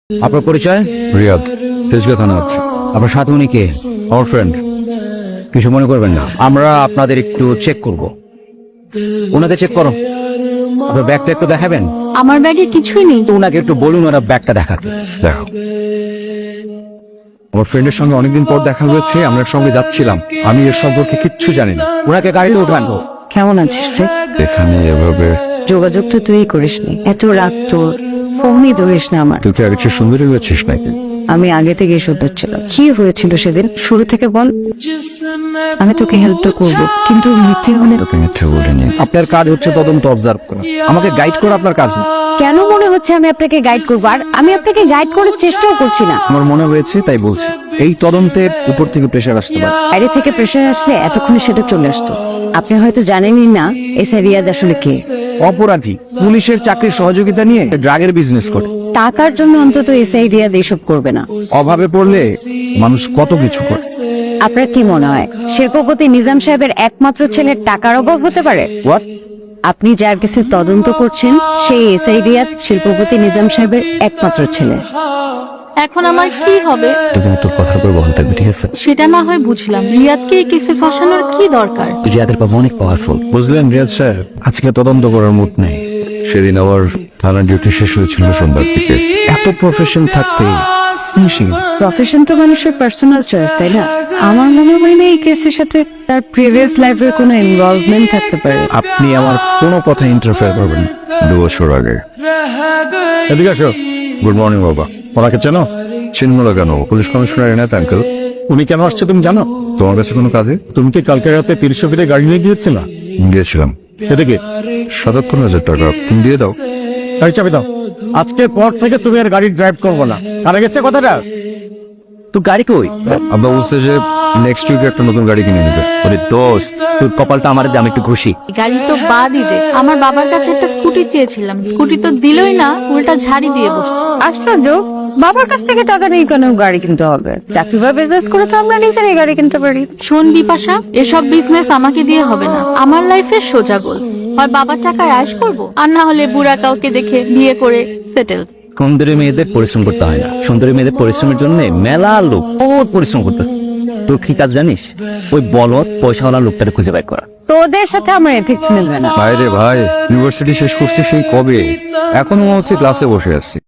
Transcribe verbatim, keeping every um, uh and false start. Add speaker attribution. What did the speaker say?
Speaker 1: আপনার পরিচয়?
Speaker 2: রিয়াদ, তেজগাঁ থানা আছে।
Speaker 1: আপনার সাথে উনি কে?
Speaker 2: আমার ফ্রেন্ড।
Speaker 1: কিছু মনে করবেন না, আমরা আপনাদের একটু চেক করব। ওনাকে চেক করো। আপনার ব্যাগটা একটু দেখাবেন?
Speaker 3: আমার ব্যাগে কিছুই নেই।
Speaker 1: তো ওনাকে একটু বলুন ওরা ব্যাগটা দেখাতে।
Speaker 2: দেখো, আমার ফ্রেন্ডের সঙ্গে অনেকদিন পর দেখা হয়েছে, আমরা সঙ্গে যাচ্ছিলাম। আমি এর সম্পর্কে কিচ্ছু জানি না।
Speaker 1: ওনাকে গাড়িতে উঠান।
Speaker 3: কেমন আছিস তুই?
Speaker 2: এখানে এভাবে
Speaker 3: যোগাযোগ তো তুই করিসনি, এত রাত তোর ফোনই ধরিস না আমার।
Speaker 2: তুই কি আগে চেয়ে সুন্দরী হয়েছিস নাকি?
Speaker 3: আমি আগে থেকে সুন্দর ছিলাম। কি হয়েছিল সেদিন শুরু থেকে বল। আমি তোকে হেল্পটা করব, কিন্তু মিথ্যে হলে
Speaker 2: তোকে মিথ্যে বলিনি।
Speaker 1: আপনার কাজ হচ্ছে তদন্ত অবজার্ভ করা, আমাকে গাইড করা আপনার কাজ না।
Speaker 3: কেন মনে হচ্ছে আমি আপনাকে গাইড করবো? আর আমি আপনাকে গাইড করার চেষ্টাও করছি না।
Speaker 1: আমার মনে হয়েছে তাই বলছি। এই তদন্তের উপর থেকে প্রেশার আসতে পারে।
Speaker 3: বাইরে থেকে প্রেশার আসলে এতক্ষণে সেটা চলে আসতো। আপনি হয়তো জানেনই না এসআই রিয়াদ আসলে কে।
Speaker 1: অপরাধী পুলিশের চাকরির সহযোগিতা নিয়ে ড্রাগের বিজনেস করে।
Speaker 3: টাকার জন্য অন্তত এসআই রিয়াদ এসব করবে না।
Speaker 1: অভাবে পড়লে মানুষ কত কিছু করে।
Speaker 3: আপনার কি মনে হয় শিল্পপতি নিজাম সাহেবের একমাত্র ছেলের টাকার অভাব হতে পারে?
Speaker 1: হোয়াট?
Speaker 3: আপনি যার কাছে তদন্ত করছেন সেই এসআই রিয়াদ শিল্পপতি নিজাম সাহেবের একমাত্র ছেলে।
Speaker 4: এখন আমার কি হবে
Speaker 1: তুমি তোর কথার উপর বহাল থাকবে, ঠিক আছে?
Speaker 4: সেটা না হয় বুঝলাম, রিয়াদকে এই কেসে ফাঁসানোর কি দরকার?
Speaker 1: রিয়াদের বাবা অনেক পাওয়ারফুল।
Speaker 2: বুঝলেন রিয়াদ সাহেব, আজকে তদন্ত করার মুড নেই। সেদিন আবার থানার ডিউটি শেষ হয়েছিল সন্ধ্যার দিকে।
Speaker 1: এত প্রফেশন থাকতে ফিনিশিং।
Speaker 3: প্রফেশন তো মানুষের পার্সোনাল চয়েস, তাই না? আমার মনে হয় না এই কেসের সাথে তার প্রিভিয়াস লাইফের কোনো ইনভলভমেন্ট থাকতে পারে।
Speaker 1: আপনি আমার কোনো কথা ইন্টারফেয়ার করবেন না।
Speaker 2: দু বছর আগে। এদিকে আসো। গুড মর্নিং বাবা। ওনাকে চেনো? চিনব না কেন? Police commissioner Enayet uncle.
Speaker 5: উনি কেন আসছে তুমি জানো?
Speaker 2: তোমার কাছে কোনো কাজে?
Speaker 5: তুমি কি কালকে রাতে তিরিশশো ফিটে গাড়ি নিয়ে গিয়েছিল?
Speaker 2: গিয়েছিলাম।
Speaker 5: এদিকে
Speaker 2: সাতাত্তর হাজার টাকা তুমি দিয়ে দাও।
Speaker 5: গাড়ি চাবি দাও। আজকের পর থেকে তুমি আর গাড়ি ড্রাইভ করবো না। কারা গেছে কথাটা?
Speaker 1: তো গাড়ি কই?
Speaker 2: আব্বা বলছে যে নেক্সট উইকে একটা নতুন গাড়ি কিনে নেবে।
Speaker 1: ওরে দোস্ত, তোর কপালটা আমার দাম একটু খুশি।
Speaker 4: গাড়ি তো বাদই দে, আমার বাবার কাছে একটা স্কুটি চেয়েছিলাম, স্কুটি তো দিলই না, উল্টা ঝাড়ি দিয়ে বসছে।
Speaker 3: আশ্চর্য, বাবার কাছ থেকে টাকা নেই কেন গাড়ি কিনতে হবে? চাকরি বা বিজনেস করে তো আমরা নিজেরাই গাড়ি কিনতে পারি।
Speaker 4: শোন বিপাশা, এসব বিজনেস আমাকে দিয়ে হবে না। আমার লাইফের সোজা গোল, হয় বাবার টাকায় আয়েশ করব, আর না হলে বুড়া কাউকে দেখে বিয়ে করে সেটেল।
Speaker 1: সুন্দরী মেয়েদের পরিশ্রম করতে হয় না, সুন্দরী মেয়েদের পরিশ্রমের জন্য মেলা লোক বহুত পরিশ্রম করতেছে। তোর কি কাজ জানিস? ওই বলদ পয়সাওয়ালা লোকটাকে খুঁজে বের করা।
Speaker 3: তোদের সাথে আমার এথিক্স মিলবে না।
Speaker 2: ভাই রে ভাই, ইউনিভার্সিটি শেষ করছে সেই কবে, এখনো মনে হচ্ছে ক্লাসে বসে আছি।